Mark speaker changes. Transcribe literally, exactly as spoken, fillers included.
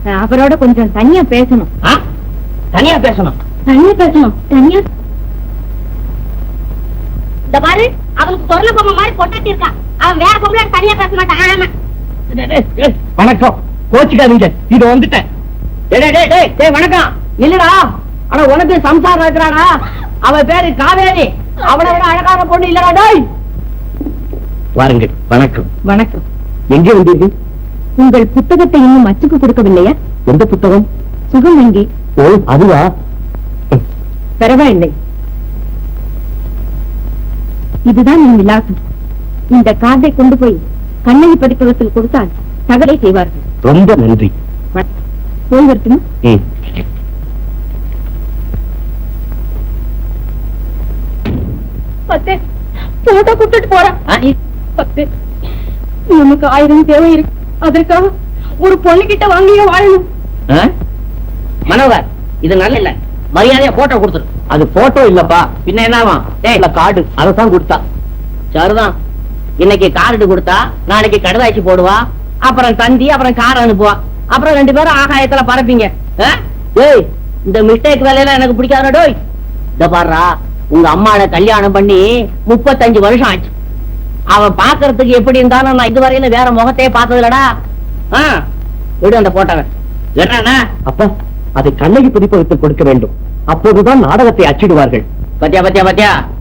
Speaker 1: அவரோட கொஞ்சம் தனியா பேசணும்.
Speaker 2: தனியா பேசணும்?
Speaker 1: தனியா பேசணும். தனியா இந்த பாரு, அவனுக்கு சொர்ண பொம்மை மாதிரி பொட்டாட்டி இருக்கா. அவன் வேற பொம்பளை தனியா பேச மாட்டான்.
Speaker 2: வணக்கம், கோச்சுக்காதீங்க, இது வந்துட்டேன். வணக்கம். இல்லடா, ஆனா உனக்கு சம்சாரம் இருக்கிறாடா. அவ பேரு காவேரி. அவனை விட அழகான பொண்ணு இல்லடா. டேய் வாருங்கள். வணக்கம்.
Speaker 1: வணக்கம்.
Speaker 2: எங்கே வந்தீர்கள்?
Speaker 1: உங்கள் புத்தகத்தை இன்னும் அச்சுக்கு கொடுக்கவில்லையா?
Speaker 2: எந்த புத்தகம்?
Speaker 1: சுகம் எங்கே?
Speaker 2: ஓ, அதுவா?
Speaker 1: பரவாயில்லை, இதுதான் என் விலாசம். இந்த கார்டை கொண்டு போய் கண்ணகி பதிப்பகத்தில் கொடுத்தால் தகவலை செய்வார்கள்.
Speaker 2: ரொம்ப நன்றி.
Speaker 1: போய் வரட்டுமா? பத்து போட்டோ கொடுத்துட்டு போறேன். பத்து நமக்கு ஆயிரம் தேவை இருக்கு. அதற்காக ஒரு பொண்ணு கிட்ட வாங்கிய வாழணும்.
Speaker 2: மனோகர், இது நல்ல இல்ல. மரியாதையா போட்டோ கொடுத்துரு. அது போட்டோ இல்லப்பா, பின்ன என்னவா? கார்டு, அதைத்தான் கொடுத்தா. சரிதான், இன்னைக்கு கார்டு கொடுத்தா நாளைக்கு கடுதாச்சி போடுவா, அப்புறம் தந்தி, அப்புறம் கார் அனுப்புவா, அப்புறம் ரெண்டு பேரும் ஆகாயத்துல பறப்பீங்க. ஏய், இந்த மிஸ்டேக் வேலையெல்லாம் எனக்கு பிடிக்காத. டோய் இந்த பாடுறா, உங்க அம்மாவை கல்யாணம் பண்ணி முப்பத்தஞ்சு வருஷம் ஆச்சு. அவன் பாக்குறதுக்கு எப்படி இருந்தாலும் நான் இதுவரையில வேற முகத்தையே பார்த்தது இல்லடா. விடு அந்த போட்டவன். என்ன அப்ப அதை கண்ணகி பதிப்பகத்தில் கொடுக்க வேண்டும். அப்போதுதான் நாடகத்தை அச்சிடுவார்கள். பத்தியா பத்தியா பத்தியா